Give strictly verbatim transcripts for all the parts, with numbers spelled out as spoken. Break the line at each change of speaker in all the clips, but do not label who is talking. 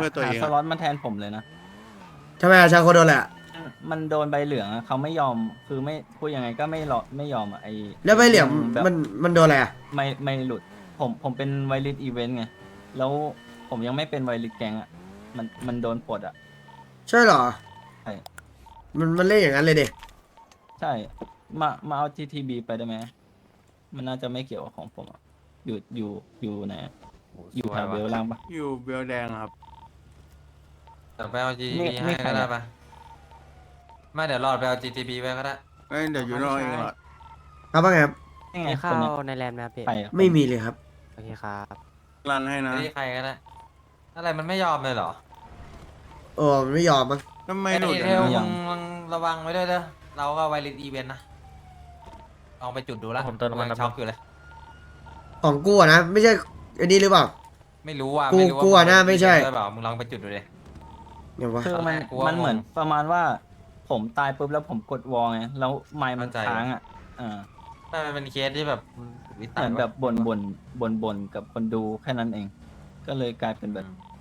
เพื่อตัว
หา
เอง
ส
อะ
ล็อตมาแทนผมเลยนะ
ทำไมอะชาโคโดนแหละ
มันโดนใบเหลืองอะเขาไม่ยอมคือไม่พูดยังไงก็ไม่รอไม่ยอมอะไอ
แล้วใบเหลี่ยม
แบบ
มันมันโดนอะไรอะ
ไม่ไม่หลุดผมผมเป็นไวริสอีเวนต์ไงแล้วผมยังไม่เป็นไวริสแกงอะมันมันโดนปลดอะ
ใช่เหรอ
ใช่
มันมันเล่นอย่างนั้นเลยเด็
ใช่มามาเอา จี ที บี ไปได้ไหมมันน่าจะไม่เกี่ยวกับของผมอะอยู่อยู่อยู่ไหนอะอยู่แถวเบลล่างปะ
อยู่เบลแดงครับ
เดี๋ยวไปเอา จี ที
นี่
บี
นี่
ให้
ใคร
ก็ได้
อะ
ปะไม่เดี๋ยวรอดไปเอา จี ที บี ไว้ก็ได้
เอ้ยเดี๋ยวอยู่นอกเองหรอ
ครับว่าไงครับ
ยังไง
มี
ค
ข้าน
เนี้ยว
ในแลนด์ไหมครับพี่
ใครอะ
ไม่มีเลยครับ
โอเคครับ
รันให้นะ
นี่ใครก็ได้ อะไรมันไม่ยอมเลยเหรอ
โอ้มันไม่ยอมมั้ง
ทำไม
ไอ้
หลุด
เท
อะ
ล
นะ
มึงมึงระวังไว้ด้วยเด้อ เราก็ไวริสอีเวนต์นะ ลองไปจุดดูแล้ว
ผมเติมน้ำมัน
ยังช็อกอยู่เลย
ของกูอะนะ ไม่ใช่อันนี้หรือเปล่า
ไม่รู้ว่า
กู
ไม่รู้ว่า
กูอะน่าไม่ใช่
หรือเปล่ามึงลองไปจุดดูเลย
เดี๋ยววะ
คือมัน
กูว่า
มันเหมือน
งง
ประมาณว่า ผมตายปุ๊บแล้วผมกดวอลไงแล้วไมค์มัน
เข้าใจ
ค้างอ่ะอ่า
ไม่มันเป็นเคสที่แบบวิ
เห
สัย
มือนแบบบ่นบ่นบ่นบ่นกับคนดูแค่นั้นเอง ก็เลยกลายเป็นแบบ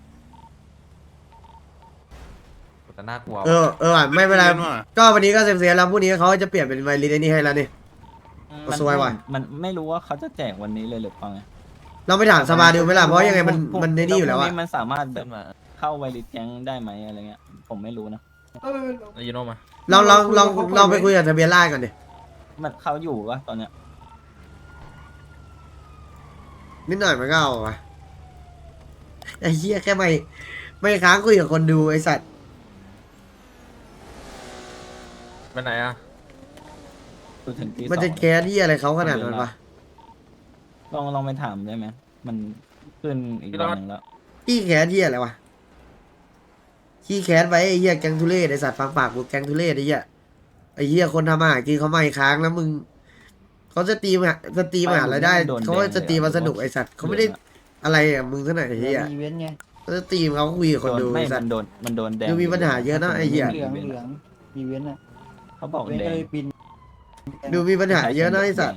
แต่น่ากลัว
เออเออว่ะไม่เป็นไร
ล่ว่ะ
ก็วันนี้ก็เซมเซียแล้วพรุ่งนี้เขาจะเปลี่ยนเป็นไวริสไอ้นี่ให้แล้วนี่
มัน
สวยว่ะ
มันไม่รู้ว่าเขาจะแจกวันนี้เลยหรือเปล่าไง
เราไปถามสภาดูไหมล่ะเพราะยังไงมัน
พรุ่ง
มันในนี่อยู่แล้ว
พ
อะ
รุ่งมันสามารถแบ
ขึ้
บ
นมา
เข้าไวริสแก๊งได้ไหมอะไรเงี้ย ผมไม่รู้นะ
อายุโนมา
ลองลองลองลองไปคุยกับทะเบียนราษฎร์ก่อนดิ
มันเขาอยู่วะตอนเนี้ย
นิดหน่อยมันก็เอาวะไอ้เหี้ยแค่ไม่ไม่ค้างคุยกับคนดูไอ้สัตว์
ไปไหนอ่ะ
จนถึงตี
มัน
สอ
จะ
ง
แค้นที่อะไรเขาขนาดนั้นวะ
ลองลองไปถามได้ไหมมันขึ้นอีกวันหนึ่งแล้ว
ขี้แค้นที่อะไรวะขี้แค้นไว้ไอ้เหี้ยแก๊งทุเรศไอ้สัตว์ฟังปากกูแก๊งทุเรศไอ้เหี้ยไอ้เหี้ยคนทำอาหารกินเขาไม่ค้างแล้วมึงเขาจะตีมาจะตีมาหารายได้เขาก็จะตีมาสนุกไอ้สัตว์เขาไม่ได้อะไรอะมึงเท่าไหร่ไอ้เหี้ย
อีเวนต์ไง
เขาจะตีมเขาคุยกับคนดู
โดนไม่
ไอ้สั
มั
ต
น
ว์
โดนมันโดนแดง
ดูมีปัญหาเยอะนะไอ้เหี้ย
เหลืองเหลืองอีเวนต์อ่ะ
เขาบอก
เว้น
แด
ก็
ง
เลยบิน
ดูมีปัญหาเยอะนะไอ้สัตว์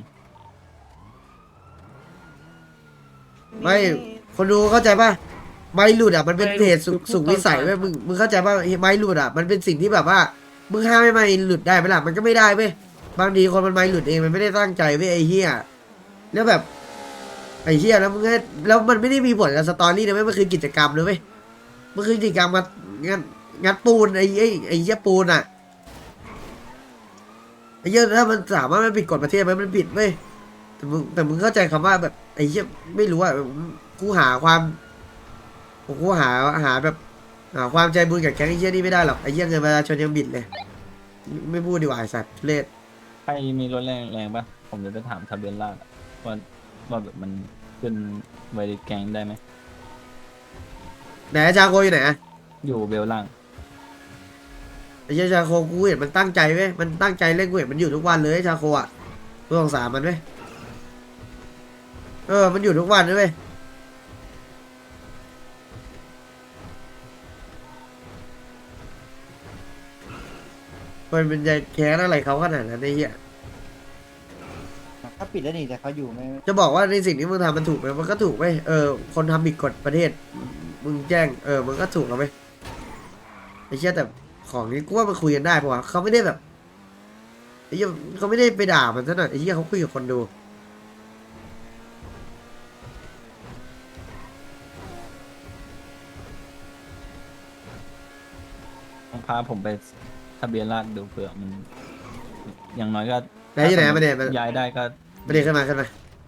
ไม่คนดูเข้าใจป่ะไม้หลุดอ่ะมันเป็นเหตุสุสุขวิสัยเว้ยมึงมึงเข้าใจป่ะไม้หลุดอ่ะมันเป็นสิ่งที่แบบว่ามึงห้ามไม่ไม้หลุดได้ไหมล่ะมันก็ไม่ได้เว้ยบางทีคนมันไม้หลุดเองมันไม่ได้ตั้งใจเว้ยไอ้เหี้ยแล้วแบบไอ้เหี้ยแล้วมึงให้แล้วมันไม่ได้มีผลกับสตอรี่นะเว้ยมันคือกิจกรรมเลยเว้ยมันคือกิจกรรมงัดงัดงัดปูนไอ้ไอ้ไอ้เหี้ยปูนอ่ะไอ้เหี้ยถ้ามันสามารถมันผิดกฎประเทศไหมมันผิดเว้ยแต่มึงแต่มึงเข้าใจคำว่าแบบไอ้เหี้ยไม่รู้อ่ะกูหาความกูหาหาแบบหาความใจบุญกับแก๊งไอ้เหี้ยนี่ไม่ได้หรอกไอ้เหี้ยเงินประชาชนยังบิดเลยไม่ไม่พูดดีกว่าไอ้สัตว์ทุเรศ
ใครมีรถแรงแรงปะผมจะไปถามทะเบียนราษฎร์อะว่าว่าแบบมันขึ้นไวริสแก๊งได้ไหม
ไหนอาจารย์โคอยู่ไหนอะ
อยู่เบลล่าง
ไอ้เหี้ยชาโคกูเห็นมันตั้งใจเว้ยมันตั้งใจเล่นกูเห็นมันอยู่ทุกวันเลยชาโคอ่ะกูสงสารมันเว้ยเออมันอยู่ทุกวันเลยเว้ยมันเป็นใจแค้นอะไรเขาขนาดนั้นไอ้เหี้ย
ถ้าปิดแล้วนี่แต่เขาอยู่ไม่
จะบอกว่าในสิ่งที่มึงทำมันถูกไหมมันก็ถูกไหมเออคนทำผิดกฎประเทศ มึงแจ้งเออมันก็ถูกแล้วไหมไอ้เชี่ยแต่ของนี้กูว่ามันคุยกันได้เพราะว่าเขาไม่ได้แบบไอ้เหี้ยเขาไม่ได้ไปด่ามันซะหน่อยไอ้เหี้ยเขาคุยกับคนดู
ต้องพาผมไปทะเบียนราษฎร์ดูเผื่อมัน อย่างน้อยก็
ไหนอยู่ไหนมาเนี่ยมา
ย้ายได้ก็
มาเดี๋ยวขึ้นมาขึ้นมา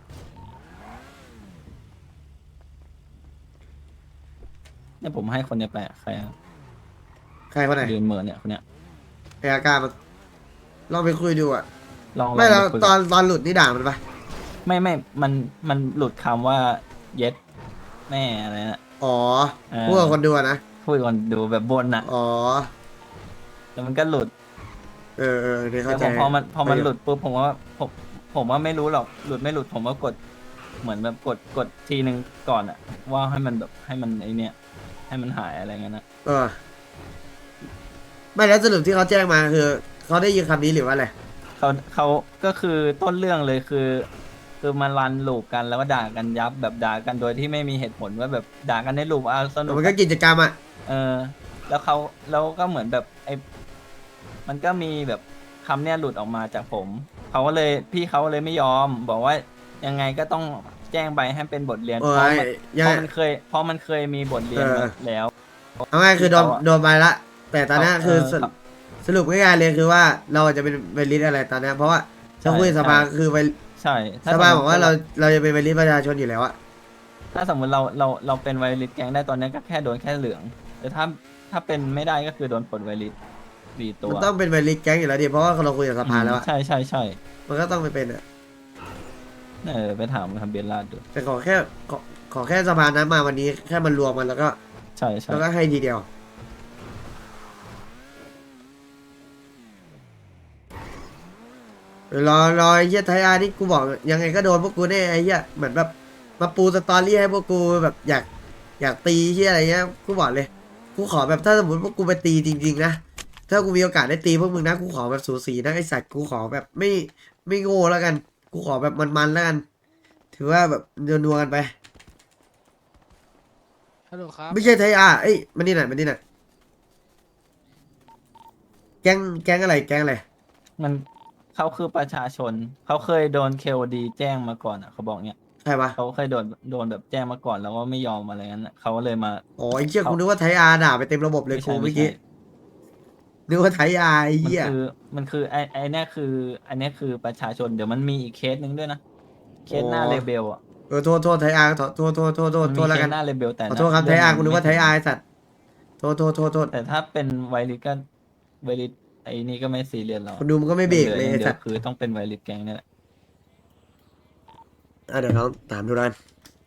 เนี่ยผมให้คนเนี้ยไปอะใครอะ
ใครคนไหน
ยืนเหมือนเนี่ยคนเนี้ย
ไอ้อาการมันลองไปคุยดูอ่ะ
ลองลอง
ไม่แล้ว
ปคุย
ตอนตอนหลุดนี่ด่ามันปะ
ไม่ไม่มันมันหลุดคำว่าเย็ดแม่อะไรน่ะ
อ๋อ
เออ
พูดกับคนดูอะนะ
พูดก่อนดูแบบบนน่ะ
อ๋อ
แล้วมันก็หลุด
เออเออเนี่ย
แต่
เข้าใจ
ผมพอมันพอมันหลุดปุ๊บผมว่าผมผมว่าไม่รู้หรอกหลุดไม่หลุดผมว่ากดเหมือนแบบกดกดทีหนึ่งก่อนอะว่าให้มันแบบให้มันไอเนี้ยให้มันหายอะไรเงี้ยนะ
เออไม่แล้วสรุปที่เขาแจ้งมาคือเขาได้ยินคำนี้หรือว่าอะไร
เขาเขาก็คือต้นเรื่องเลยคือ คือมารันลูปกันแล้วก็ด่ากันยับแบบด่ากันโดยที่ไม่มีเหตุผลว่าแบบด่ากันในลูปอ่ะสนุก
มันก็กิจกรรมอ่ะ
เออ แล้วเขาแล้วก็เหมือนแบบไอ้มันก็มีแบบคำเนี้ยหลุดออกมาจากผมเขาก็เลยพี่เขาเลยไม่ยอม บอกว่ายังไงก็ต้องแจ้งใบให้เป็นบทเรียน
โอ้
เพราะ
ย
มัน
ยั
เพ
ง
ราะมันเคยเพราะมันเคยมีบทเรียน
เออ
มาแล้ว
เอาง่ายคือโดน
เขาอะ
โดนไปละ แต่ตอนเนี้ย
เขา
คือ
เออ
สรุปสรุปง่ายๆเลยคือว่าเราจะเป็นไวริสอะไรตอนเนี้ยเพราะว่า
ใช่
ถ้าคุยกับสภา
ใช่
คือไว
ใช่ถ้
สภา
ม
บอกว่าเราเราจะเป็นไวริสประชาชนอยู่แล้วอะ
ถ้าสมมติเราเราเราเป็นไวริสแก๊งได้ตอนนี้ก็แค่โดนแค่เหลือง แต่ถ้าถ้าเป็นไม่ได้ก็คือโดนปลดไวริสสี่ตัว
มันต้องเป็นไวริสแก๊งอยู่แล้วดิเพราะว่าเราคุยกับสภาแล้วอะ
ใช่ใช่ใช่
มันก็ต้องไปเป็นอะ
เออไปถามทำเบียนลาดดู
แต่ขอแค่ขอขอแค่สภานั้นมาวันนี้แค่มันรวมกันแล้วก็
ใช่ใช่
แล้วก็ให้ทีเดียวรอรอไอ้เหี้ยไทยอาร์นี่กูบอกยังไงก็โดนพวกกูแน่ไอ้เหี้ยเหมือนแบบมาปูสตอรี่ให้พวกกูแบบอยากอยากตีเหี้ยอะไรเงี้ยกูบอกเลยกูขอแบบถ้าสมมติพวกกูไปตีจริงๆนะถ้ากูมีโอกาสได้ตีพวกมึงนะกูขอแบบสูสีนะไอสัตว์กูขอแบบไม่ไม่โง่แล้วกัน กูขอแบบมันๆแล้วกัน ถือว่าแบบนัวๆกันไป
ฮัลโหลครับ
ไม่ใช่ไทยอาร์เอ้ยมันนี่ไหนมันนี่ไหนแก๊งแก๊งอะไรแก๊งอะไร
มันเขาคือประชาชน เขาเคยโดนเคโอดีแจ้งมาก่อนอ่ะเขาบอกเนี้ย
ใครวะ
เขาเคยโดนโดนแบบแจ้งมาก่อนแล้วว่าไม่ยอมอะไรงั้นน่ะเขาก็เลยมา
อ๋อไอ้เชี่ยกูนึกว่าไทยอาร์ด่าไปเต็มระบบเลย
ไม่
กู
ใช่
เมื่
ไม่
อกี้
ใช่
นึกว่าไทยอาร์ไอ้
มัน
เหี้ย
คือมันคือไอไอเนี้ยคืออันเนี้ยคือประชาชนเดี๋ยวมันมีอีกเคสหนึ่งด้วยนะเคสหน้าเลเบลอ่ะ
เออโทษโทษไทยอาร์โทษโทษโทษโทษโทษ
มัน
โท
มี
ษแล้ว
เค
กัน
สหน้าเลเบลแต่
ขอโทษครับไทยอาร์กูนึกว่าไทยอาร์ไอ้สัตว์โทษโทษโทษโทษ
แต่ถ้าเป็นไวริสก็ไวริสไอ้นี่ก็ไม่ซีเรียสหรอก
คนดูมันก็ไม่เบรกเลย
ห
ไอ้
ออ
สั
ย่า
ต
ง
ว์
เดียวคือต้องเป็นไวริสแก๊งเนี่ยแหละ
อ่ะเดี๋ยวน้องถามดูรัน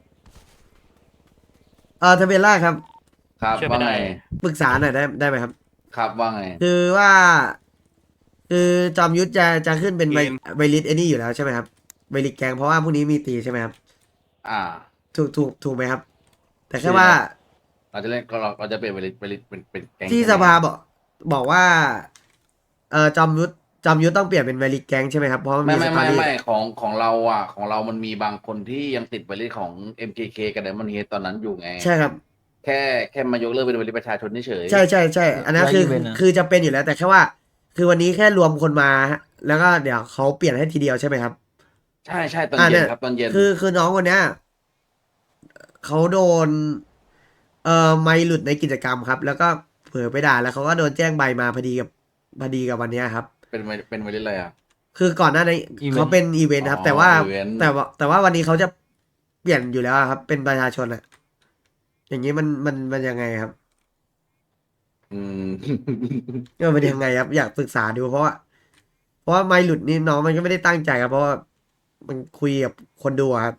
เออทะเบียนราษฎร์ครับ
ครับว่าไง
ปรึกษาหน่อยได้ได้ไหมครับ
ครับว่าไง
คือว่า คือจอมยุทธจะจะขึ้นเป็นไวไวริสไอ้นี่อยู่แล้วใช่ไหมครับไวริสแกงเพราะว่าพรุ่งนี้มีตีใช่ไหมครับ
อ่า
ถูกถูกถูกไหมครับ แต่แค่ว่า
เราจะเล่นเราเราจะเปลี่ยนไปไปเป็นเป็นแก๊ง
ที่
ใช่ไหม
สภาบอกบอกว่า เออจอมยุทธจอมยุทธต้องเปลี่ยนเป็นไวริสแกงใช่ไหมครับเพราะมัน
ไม่
มีส
ไม่
ตอ
ไม่
รี่
ไม่ของของเราอ่ะของเรามันมีบางคนที่ยังติดไปเรื่องของ เอ็ม เค เค กับ Diamond Head ตอนนั้นอยู่ไง
ใช่ครับ
แค่แค่มายกเลิกเป็นบริษัทประชาชนเฉยๆ
ใช่ใช่ใช่อันนั้นคือคือจะเป็นอยู่แล้ว แต่แค่ว่า คือวันนี้แค่รวมคนมาฮะแล้วก็เดี๋ยวเขาเปลี่ยนให้ทีเดียวใช่ไหมครับ
ใช่ใช่ตอน
อ่า
เย็
เนี่
น
ย
ครับตอนเย็น
คือคือน้องคนเนี้ยเขาโดน เอ่อไม่หลุดในกิจกรรมครับ แล้วก็เผลอไปด่าแล้วเขาก็โดนแจ้งใบมาพอดีกับพอดีกับวันเนี้ยครับ
เป็นเป็นบริษัทอะไรอ่ะ
คือก่อนหน้านี้เขาเป็นอีเวนต์ครับ
อ๋อ
แต่ว่า
อีเวนต์
แต่ว่าแต่ว่าวันนี้เขาจะเปลี่ยนอยู่แล้วครับ เป็นประชาชนอะอย่างนี้มันมันมันยังไงครับ
อืม
เออมันยังไงครับ อยากปรึกษาดูเพราะว่า เพราะว่าไม่หลุดนี่น้องมันก็ไม่ได้ตั้งใจครับเพราะว่ามันคุยกับคนดูอะครับ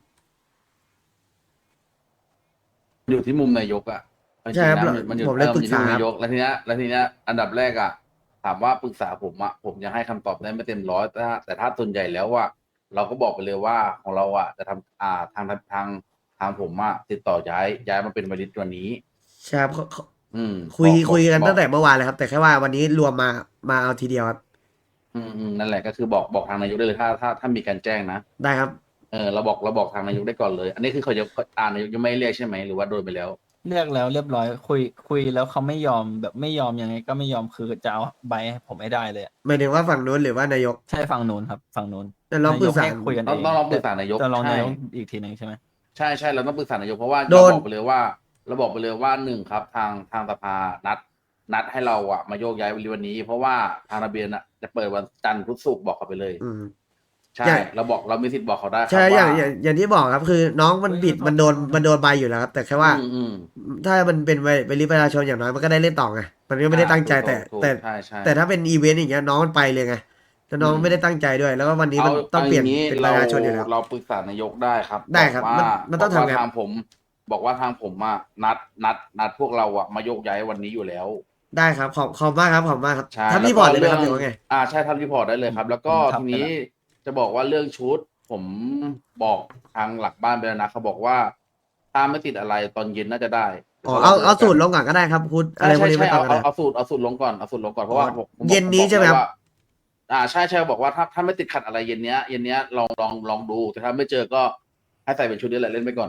อยู่ที่มุมนายกอ่ะ
ใช่ครับ
จงๆนะมันอยู่
ผมเลย
ออ
ปรึกษา
นอยู่ที่มุมนายกแล้วทีเนี้ยแล้วทีเนี้ยอันดับแรกอ่ะ ถามว่าปรึกษาผมอ่ะผมยังให้คำตอบได้ไม่เต็มร้อยแต่ถ้าแต่ถ้าส่วนใหญ่แล้วว่า เราก็บอกไปเลยว่าของเราอ่ะจะทำอ่าทางทางทางทางผมอ่ะติดต่อย้ายย้ายมาเป็นบริษัทวันนี้
ใช่ครับเขาเขา
อืม
คุย
บอก
คุยกัน
บอก
ตั้งแต่เมื่อวานเลยครับ แต่แค่ว่าวันนี้รวมมามาเอาทีเดียวครับ
อืมอืมนั่นแหละก็คือบอกบอกทางนายกได้เลยถ้าถ้าถ้ามีการแจ้งนะ
ได้ครับ
เออเราบอกเราบอกทางนายกได้ก่อนเลย อันนี้คือเขาจะอ่านายกยังไม่เรียกใช่ไหมหรือว่าโดนไปแล้ว
เรียกแล้วเรียบร้อยคุยคุยแล้วเขาไม่ยอมแบบไม่ยอมยังไงก็ไม่ยอมคือจะเอาใบให้ผมไม่ได้เลยอะ
หมายถึงว่าฝั่งนู้นหรือว่านายก
ใช่ฝั่งนู้นครับฝั่งนู้น
แต่ลองปรึกษา
นยให้คุยกัน
ต้
เอ
อง
ง
ต้องลองปรึกษานายก
จะลอง
ใช่
นายกอีกทีหนึ่งใช่ไหม
ใช่ใช่เราต้องปรึกษานายกเพราะว่า
โด
เรา
น
บอกไปเลยว่าเราบอกไปเลยว่าหนึ่งครับ ทางทางสภานัด นัดให้เราอะมาโยกย้ายวันนี้ เพราะว่าทางระเบียนอะจะเปิดวันจันทร์พุธศุกร์บอกเขาไปเลย
อืม
ใช่
ใช่
เราบอกเรามีสิทธิ์บอกเขาได้ครับ
ใช่อย่าง
ว่า
อย่างอย่างที่บอกครับ คือน้องมันบิดมันโดนมันโดนใบอยู่แล้วครับ แต่แค่ว่า
อืมอืม
ถ้ามันเป็นไปไปริประชาชนอย่างน้อยมันก็ได้เล่นต่อไงมันก็ไม่ได้ตั้งใจ
ถูก
แต่
ถูก
แต่
ใช่ใช่
แต่ถ้าเป็นอีเวนต์อย่างเงี้ยน้องมันไปเลยไงแล้วน้อง
อืม
ไม่ได้ตั้งใจด้วย แล้วก็วันนี้มัน
เอา
ต้องเปลี่ยน
อา
เป็น
เรา
ประชาชนอยู่แล้ว
เราปรึกษานายกได้ครับ
ได้ครับ
อกว่า
มันมันต้อง
บกว่า
ทำไง
ทางผม บอกว่าทางผมอะนัดนัดนัดพวกเราอะมาโยกย้ายวันนี้อยู่แล้ว
ได้ครับขอบขอบมากครับขอบมากครับ
ใช่
ทำรีพอร์ตเลยไหมครับหรือว่าไง
อ่าใช่ทำรีพอร์ตได้เลยครับ แล้วก็
ผมทำ
ทีนี้
ไปแล้ว
จะบอกว่าเรื่องชุด ผมบอกทางหลักบ้านไปแล้วนะเขาบอกว่าถ้าไม่ติดอะไรตอนเย็นน่าจะได้
อ๋อเอาเอาสูตรลงก่อนก็ได้ครับคุณอะ
ใช่
ไรพวก
ใช่
นี้
ใช่
ไม่ต้อ
เอา
งก็
เอา
ได้
เอาสูตรเอาสูตรลงก่อนเอาสูตรลงก่อนเพราะว่าผมผมบอก
เย็นนี้
ผมบอก
ใช่ไหมครับ
ว่าอ่าใช่ใช่บอกว่าถ้าถ้าไม่ติดขัดอะไรเย็นเนี้ยเย็นเนี้ยลองลองลองดูแต่ถ้าไม่เจอก็ให้ใส่เป็นชุดนี้แหละเล่นไปก่อน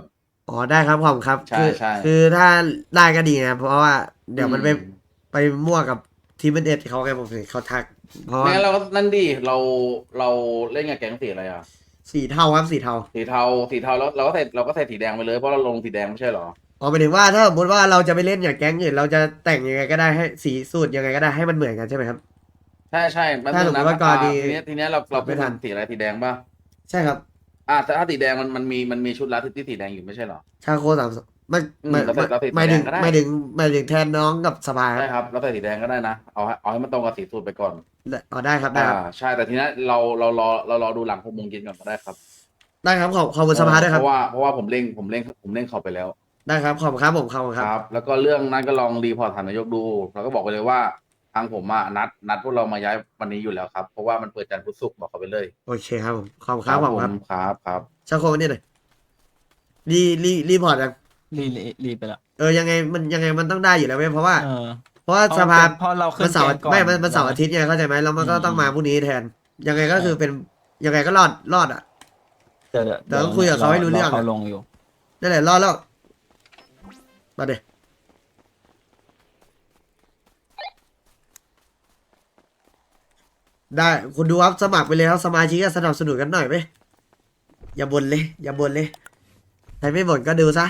อ๋อได้ครับขอบคุณครับ
ใช่
คือ
ใช่
คือถ้าได้ก็ดีนะเพราะว่าเดี๋ยวมันไป
อืม
ไปมั่วกับทีมเอ็ดเขาไงผมถึงเขาทัก เพราะว่า
ไม่งั้นเราก็นั่นดิเราเราเล่นกับแก๊งสีอะไรอ่ะ
สีเทาครับสีเทา
สีเทาสีเทาแล้วเราก็ใส่เราก็ใส่สีแดงไปเลยเพราะเราลงสีแดงไม่ใช่เหรอ
อ๋อหมายถึงว่าถ้าสมมติว่าเราจะไปเล่นอย่างแก๊งอื่นเราจะแต่งยังไงก็ได้ให้สีสูตรยังไงก็ได้ให้มันเหมือนกันใช่ไหมครับ
ใช่ใช่มัน
ถ้า
คือ
สมมุติ
นะ
ว่ากรณี
ทีเนี้ยทีเนี้ยเราเรา
ไม่ทัน
สีอะไรสีแดงป่ะ
ใช่ครับ
อ่าแต่ถ้าสีแดงมันมันมีมันมีชุดลัดที่สีแดงอยู่ไม่ใช่เหรอ
ชาโคสามสองไม่
อืม
ไม่
เราใส่เราใส่สี
หมายถึง
แดงก็ได้
หมายถึงหมายถึงแทนน้องกับสภาค
ใช่
รับ
ครับเราใส่สีแดงก็ได้นะเอาให้เอาให้มันตรงกับสีสูตรไปก่อน
อ๋อได้ครับได้
อ่า
ครับ
ใช่แต่ทีเนี้ยเราเรารอเรารอดูหลังหกโมงเย็นก่อนก็ได้ครับ
ได้ครับขอบขอบคุณสภาด้วยค
เพ
รับ
ราะว่าเพราะว่าผมเร่งผมเร่งผมเร่งเขาไปแล้ว
ได้ครับขอบคุณครับผมขอบคุณครับ
ครับ แล้วก็เรื่องนั้นก็ลองรีพอร์ตฐานนายกดูแล้วก็บอกไปเลยว่าทางผมอะนัดนัดพวกเรามาย้ายวันนี้อยู่แล้วครับเพราะว่ามันเปิดจันทร์พุธศุกร์บอกเขาไปเลย
โอเคครับผมขอบคุณครับขอบคุณครับ
ผมครับครับ
ชาโคนี่หน่อยรีรีรีพอร์ตยัง
รีรีรีไปแล้ว
เออยังไงมันยังไงมันต้องได้อยู่แล้วเว้ยเพราะว่า
เออ
เพราะว่า
เพราะ
สภา
เพราะเราขึ้น
มันเสาร์
แก๊งก่อน
ไม่มันมันเสาร์
แล้ว
อาทิตย์ไงเข้าใจไหมแล้วมันก็
อืม
ต้องมาพรุ่งนี้แทน ยังไงก็คือเป็นยังไงก็รอดรอดอ่ะ
เดี๋ยวเดี๋ยว
แต่ต้องคุยกับเขาให้รู้เรื่องอะ
เขาลงอยู่
นั่นแหละรอดแล้วมาเดี๋ยได้คุณดูครับสมัครไปเลยครับสมาชิกก็สนับสนุนกันหน่อยไหมอย่าบ่นเลย อย่าบ่นเลยใครไม่บ่นก็ดูซะ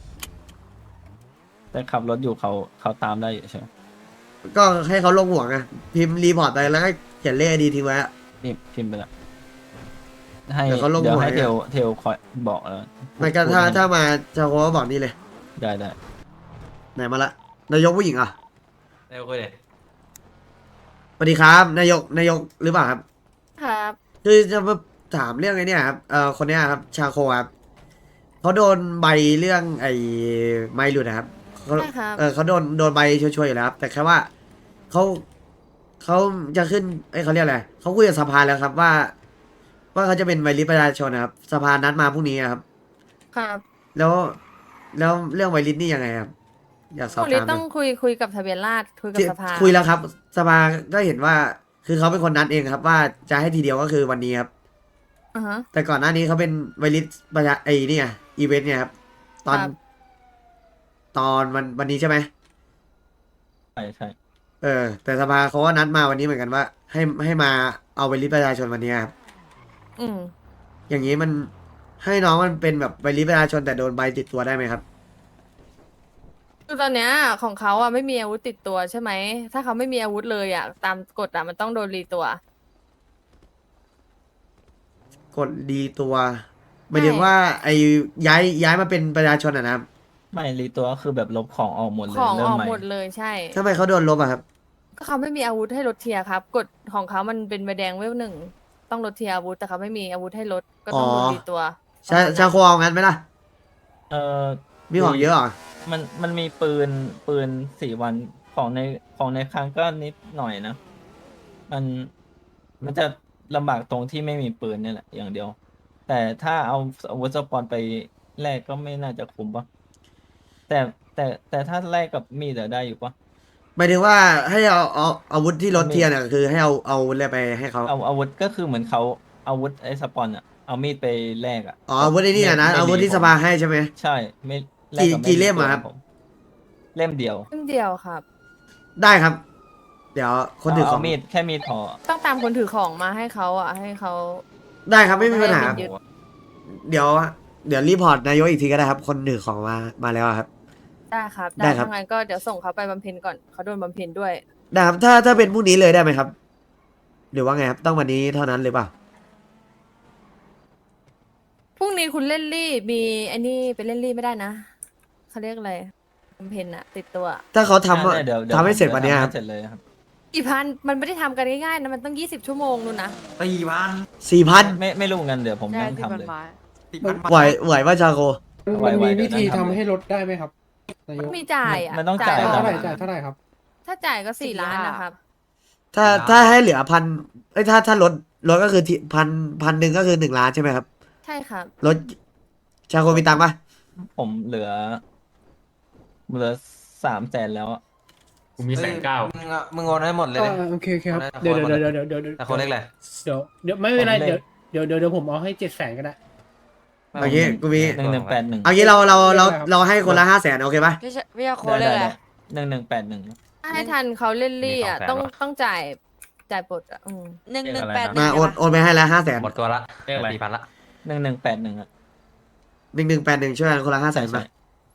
แต่ขับรถอยู่เขาเขาตามได้อยู่ใช่ไหม
ก็ให้เขาลงหัวไงพิมพ์รีพอร์ตไปแล้วก็เขียนเลขไอดีทิ้งไว้อะ
นี่พิมพ์ไปแล้วให้
เดี๋ยวเขาลง
เดี๋ยว
หัว
ให้
ให้
เทลเทลคอยบอกแล้ว
ไม่ก็ถ้าถ้ามาจะโค้บอกนี่เลย
ได้ได้
ไหนมาละนายกผู้หญิงอ่ะ
เร็วคุยเลย
สวัสดีครับ นายกนายกหรือเปล่าครับ
ครับ
คือจะมาถามเรื่องไอ้เนี่ยครับเอ่อคนเนี้ยครับชาโคครับเขาโดนใบเรื่องไอ้ไม่หลุดนะครับเขา
ใช่ครับ
เออเขาโดนโดนใบช่วยๆอยู่แล้วครับ แต่แค่ว่าเขาเขาจะขึ้นไอ้ยเขาเรียกอะไรเขาคุยกับสภาแล้วครับว่า ว่าเขาจะเป็นใบริษประชาชนนะครับสภานัดมาพรุ่งนี้ครับ
ครับ
แล้วแล้วเรื่องใบริษนี่ยังไงครับ อยากสอบ
คุณลิ
ถาม
ต้องคุยคุยกับทะเบียนราษฎร์คุยกับ
ที่
สภา
คุยแล้วครับ สภาก็เห็นว่า คือเขาเป็นคนนัดเองครับ ว่าจะให้ทีเดียวก็คือวันนี้ครับ
อ่าฮะ
แต่ก่อนหน้านี้เขาเป็นไวริสประชาไอ้นี่ไงอีเวนต์เนี่ยครับ ตอน
ครับ
ตอนวันวันนี้ใช่ไหม
ใช่ใช่
เออ แต่สภาเขาก็นัดมาวันนี้เหมือนกันว่า ให้ให้มาเอาไวริสประชาชนวันนี้ครับ
อืม
อย่างนี้มันให้น้องมันเป็นแบบไวริสประชาชนแต่โดนใบติดตัวได้ไหมครับ
คือตอนเนี้ยของเขาอ่ะไม่มีอาวุธติดตัวใช่ไหม ถ้าเขาไม่มีอาวุธเลยอ่ะ ตามกฎอ่ะมันต้องโดนรีตัว
กดดีตัวหมายถึงว่า ไอ้ย้ายย้ายมาเป็นประชาชนอ่ะนะครับ
ไม่รีตัวก็คือแบบลบของออกหมดเลย
ของ
เริ่
อ
ม
อก
ใหม่
หมดเลยใช่
ทำไมเขาโดนลบอะครับ
ก็เขาไม่มีอาวุธให้ลดเทียร์ครับ กฎของเขามันเป็นใบแดงเวลหนึ่งต้องลดเทียร์อาวุธแต่เขาไม่มีอาวุธให้ลดก็ต้องโดน
อ๋อ
รีตัว
ชาชาโคเอางั้นไหมล่ะ
เออ
มีของเยอะเหรอ
มันมันมีปืนปืนสี่วันของในของในครั้งก็นิดหน่อยนะ มันมันจะลำบากตรงที่ไม่มีปืนนี่แหละอย่างเดียว แต่ถ้าเอาอาวุธสปอนไปแลกก็ไม่น่าจะคุ้มปะแต่แต่แต่ถ้าแลกกับมีดอะได้อยู่ปะ
หมายถึงว่าให้เอาเอาอาวุธที่ลดเทียร์เนี่ยคือให้เอาเอาอะไรไปให้เขา
เอาอาวุธก็คือเหมือนเขาอาวุธไอ้สปอนอะเอามีดไปแลกอะ
อ๋ออาวุธไอ้นี่อะนะ
ไม่
อาวุธที่
ผม
สภาให้ใช่ไหม
ใช่ไม่แล
กี่
กับ
กี่เล่มอะครับ
ผมเล่มเดียว
เล่มเดียวครับ
ได้ครับ เดี๋ยวคนถือข
เอา
อง
มีดแค่มีดพอ
ต้องตามคนถือของมาให้เขาอ่ะให้เขา
ได้ครับไม่มีปัญหา
ไม่ยึด
เดี๋ยว เดี๋ยวรีพอร์ตนายกอีกทีก็ได้ครับ คนถือของมามาแล้วครับ
ได้ครับ
ได้
ได้
ครับ
ทั้างนั้นก็เดี๋ยวส่งเขาไปบำเพ็ญก่อนเขาโดนบำเพ็ญด้วย
ได้ครับถ้าถ้าเป็นพรุ่งนี้เลยได้ไหมครับ หรือว่าไงครับ ต้องวันนี้เท่านั้นหรือเปล่า
พรุ่งนี้คุณเล่นรี่มีไอ้นี่ไปเล่นรี่ไม่ได้นะเขาเรียกอะไรบำเพ็ญอะติดตัว
ถ้าเขาทำ
อ่ะเดี๋ยวดี๋ยว
ทำให้เสร็จวันเนี้ย
ดี๋
ค
ย
รับ
ทำให้เสร็จเลยครับ
กี่พันมันไม่ได้ทำกันง่ายๆนะมันต้องยี่สิบชั่วโมงนู่นนะ
ตีพัน
สี่พัน
ไม่ไม่รู้เงินเดี๋ยวผมนั่งทำเลย
ตีพัน
ไหวไหวว่าชาโค
ไว
มัน
ๆ
มี
เดี๋
วิ
ยวนั่ง
ธี
ทำ
ทำ
เลย
ให้ลดได้ไหมครับนายก
มีจ่ายอะ
มันต้องจ่าย
ก่
เท่าไหร่
อน
จ่ายเท่าไหร่ครับ
ถ้าจ่ายก็สี่ล้านนะครับ
ถ้าถ้าให้เหลือพันไอ้ยถ้าถ้าลดลดก็คือที่พันพันหนึ่งก็คือหนึ่งล้านใช่ไหมครับ
ใช่ครับ
ลดชาโคมีตังค์ปะ
ผมเหลือ เหลือสามแสนแล้วอะ
กูมีแสนเก้า
มึงอะมึงโอนให้หมดเลย
อ่า
ดิ
โอเคโอเคครับ
เอาได้
เดี๋ยว
เอา
เดี๋ยว
ได้
เดี๋ยวเดี๋ยวเดี๋ยวเดี๋ยว
แต่คนเล็กเลย
เดี๋ยวเดี๋ยวไม่เป็นไรเดี๋ยวเดี๋ยวเดี๋ยวเดี๋ยวผมเอาให้เจ็ดแสนก็ได้
เอางี้กูมี
หนึ่งหนึ่งแปดหนึ่ง
เอางี้เราเราเราเราให้คนละห้าแสนโอเคปะ
พี่ชพี่ยาโคเลยแหละ
หนึ่งหนึ่งแปดหนึ่ง
ถ้าให้ทันเขาเล่นลี่อ่ะ
มีสองแสน
ต้อง
วะ
ต้องจ่ายจ่ายปลดอ่ะอืม
หนึ่งหนึ่งแปด
มาโอนโอนไปให้แล้วห้าแสน
หมดตัวละ
เรียกอะไร
สี่พันละ
หนึ่งหนึ่งแปดหนึ่งอ่ะ
หนึ่งหนึ่งแปดหนึ่งช่วยกันคนละห้าแสน
ใช่
มา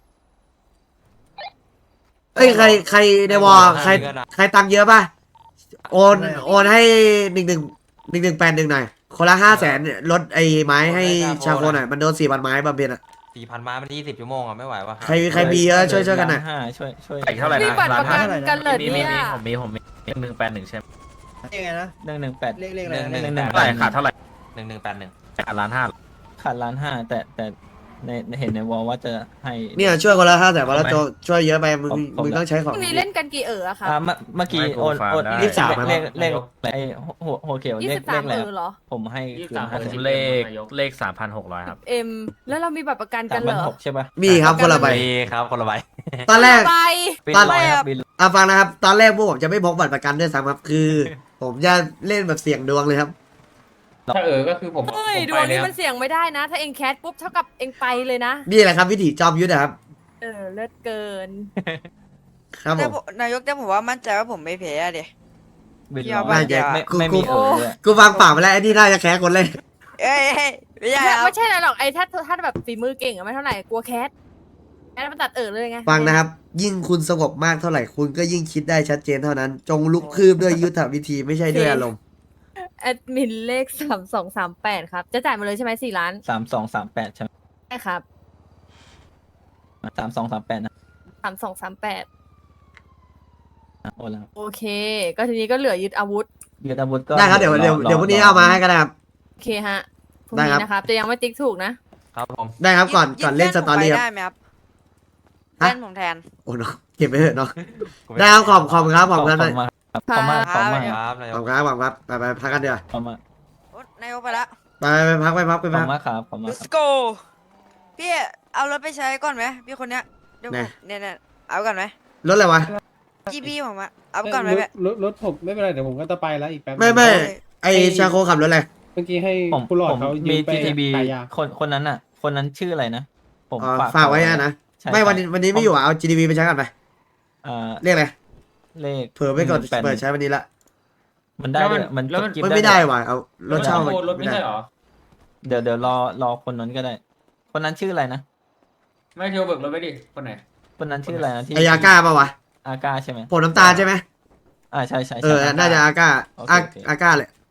เอ้ยใครใครในวอลใครใครตังค์เยอะป่ะโอนโอนให้หนึ่งหนึ่งหนึ่งหนึ่งแปดหนึ่งหน่อยคนละห้าแสนลดไอ้ไม้ให้ชาโคหน่อยมันโดนสี่พันไม้บำเพ็ญอ่ะ
สี่พันมามันยี่สิบชั่วโมงอ่ะไม่ไหววะ
ใครใครมีเยอะช่วยช่วยกันหน่อย
ล้าห้าช่วยช่วย
อีกเท่าไหร่
นี่
นะ
บัตร
ล้า
ป
น
ระ
ห้า
กันกันเหรอ
มีมี
เนี่ย
มีผมมีผมมีหนึ่งแปดหนึ่งใช่ไหม
ยังไงนะ
หนึ่งหนึ่งแปด
เลขเลขอะไร
หนึ่ง
นะ
หนึ่ง
หนึ่ง
แปด
เท่าไหร่ขาดเท่าไหร่
หนึ่งหนึ่งแปดหนึ่ง
ขาดล้านห้า
ขาดล้านห้าแต่แต่ในเห็นในวอลว่าจะให้
เนี่ยช่วยคนละห้าแสนมาแล้วโจช่วยเยอะไปมึง
ผมผม
มึงต้องใช้ข
พ
อง
รุ่งนี้เล่นกันกี่เอ๋ออะครับ
อ่าเมื่อเมื่อกี้
ไม่
โอน
โปรไฟล์
โอน
ได้
เลข
ยี่สิบสาม
เลขเลขไอ้โฮโฮเขียว
ยี่
เล
สิ
ข
บสา
เล
ม
ขอะไร
เอ๋อเหรอ
ผมให้คืนห้า
ผ
สิบ
มเลขเลขสามพันหกร้อยครับ
เอ็มแล้วเรามีบัตรประกัน
สา
กั
ม
นเห
พั
ร
น
อ
หกใช่ปะ
มีครับคนละใบ
มีครับคนละใบ
ตอนแรก
ไป
บิน
ตอน
ร้อยครับบิน
อ่ะฟังนะครับ ตอนแรกพวกผมจะไม่พกบัตรประกันด้วยซ้ำครับ คือ ผมจะเล่นแบบเสี่ยงดวงเลยครับ
ถ้าเออก็คือผม
เฮ้ย
ผม
ด
ไป
วง
เลย
นี้
ครั
มั
บ
นเสี่ยงไม่ได้นะ ถ้าเองแคสปุ๊บเท่ากับเองไปเลยนะ
นี่แหละครับวิถีจอมยุทธนะครับ
เออเลิศเกิน
ครับผ
แต่
ม
ผมนายกแต่ผมว่ามั่นใจว่าผมไม่แพ้อะเดี๋ย
บิน
พี่
ร้
เอา
อย
บ้าน
ไม่
เดียว
ไม่
กู
ไม่
กู
มีเออเลย
กูฟังปากไปแล้วไอ้นี่น่าจะแค้คนเลย
เอ้ยเอ้ยไม่ใช่ครับ
ไม่ใช่อะไรหรอกไอ้ถ้าถ้าแบบฝีมือเก่งอะไม่เท่าไหร่กลัวแคสแคสมันตัดเอ๋อเลยไง
ฟังนะครับ ยิ่งคุณสงบมากเท่าไหร่ คุณก็ยิ่งคิดได้ชัดเจนเท่านั้น จงลุกคืบด้วยยุทธวิธีไม่ใช่ด้วยอารมณ์
แอดมินเลขสามสองสามแปดครับ จะจ่ายมาเลยใช่ไหมสี่ล้าน
สามสองสามแปดใช่ไหม
ใช่ครับ
สามสองสามแปดนะ
สามสองสามแปด
อ่ะโอนแล้ว
โอเค ก็ทีนี้ก็เหลือยึดอาวุธ
ยึดอาวุธก็
ได้ครับเดี๋ยวเดี๋ยวเดี๋ยวพรุ่งนี้เอามาให้ก็ได้ครับ
โอเคฮะพรุ่ง
ได้ครับ
นี้นะครับจะยังไม่ติ๊กถูกนะ
ครับผม
ได้ครับก่อน
ยื
ก่อนเล่นส
พื่
ตอรี่
ผม
ครับ
ไปได้ไหมครับ
ฮะ
เล่นผมแทน
โอ้เนาะเก็บไปเถอะเนาะได้ครับขอบขอบคุณครับขอบคุณครับ
ขอบคุณมากครับขอบคุณมากขอบคุณมาก
ค
ค
รั
รับ
บ
นาย
ขอบ
ก
คุณครับขอบคุณครับไปไปพักกันเดี๋ยวา
ขอบคุณมาก
โอ๊ยนายกไปละ
ไปไปพักไปพักไป
ขอบ
พั
คุ
ก
ณมากครับขอบคุณมากครับ
let's go พี่เอารถไปใช้ก่อนไหมพี่คนเนี้ยเดี๋ยวผ
ไหน
มเนี่ยเนี่ยเอาก่อนไหม
รถอะไรวะ
จีพีผมอะเอาก่อนไหม
ร
แบ
ถ
บ
รถรถผมไม่เป็นไรเดี๋ยวผมก็จะไปแล้วอีกแป๊บนึง
ไม่ไม่
โอ้ย
ไอชาโคขับรถอะไร
เมื่อกี้ให้
ผม
ผู้หลอด
ผม
เขายื
มี
มไป
จี ที บี
ขายยา
คนคนนั้นอ่ะ คนนั้นชื่ออะไรนะ ผม
อ๋อ
ฝาก
ฝากไว้อะนะ
ใช่
ไม่วันนี้
ใช่
วันนี้ไม่อยู่อ่ะเอา จี ดี บี ไปใช้กันไป
เอ่อ
เรียกอะไร
เลข
เผื่อไม่กด
หนึ่งแป
เปิดใช้วันนี้ละ
มันได้ด้วยมัน
แล้วมัน
กิ๊บ
มันไม่ได้ว่ะเอารถเช่า
โอนรถไม่ใช่เหรอ
เดี๋ยวเดี๋ยวรอรอคนนั้นก็ได้ คนนั้นชื่ออะไรนะ
ไม่เที่ยวเบิกรถไปดิ คนไหน
คนนั้นชื่ออะไรนะที่
ไอยาก้าป่าวะ
อาก้าใช่ไหม
ผมน้ำตาลใช่ไหม
อ่าใช่ใช่
เอ
ใช่
อน่าจะอาก้า
โอเค
อา
โอเค
อาก้าแหละ